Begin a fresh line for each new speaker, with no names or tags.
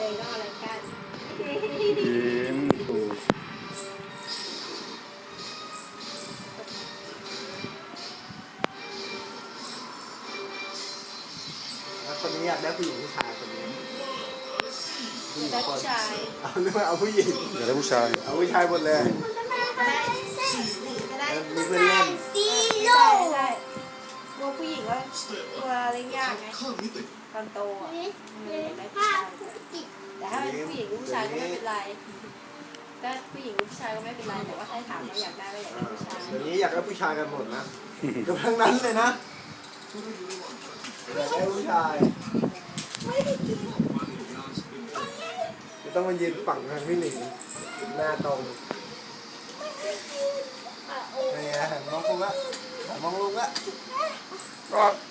ต้องอะไรกัน
ยิ้มถูก
แล้วคนนี้อยากได้ผู้หญิงผู้ชายคนนี้
ได้ผู้ชาย
เอาหรือว่าเอาผู้หญิง
อยากได้ผู้ชาย
เอาผู้ชายหมดเลย
ก็ได้
มีเพื่อนเล่น
ไม่ได้กลัวผู้หญิงว่ากลัวเลี้ยงยากไงตอนโตอ่ะได้ผู้ชายแต่ถ้าเป็นผู้หญิงผู้ชายก็ไม่เป็นไรถ้าผู้หญิงผู้ชายก็ไม่เป็นไรแต่ว่าถ้าถามว่าอยากได้ก็อยากได้ผู้ชาย
เดี๋ยวนี้อยากได้ผู้ชายกันหมดนะกับทั้งนั้นเลยนะอยากได้ผู้ชายจะต้องมายืนฝั่งทางพี่หนิงหน้าตรงนี่ไงหันมองลุงละหันมองลุงละ
ก็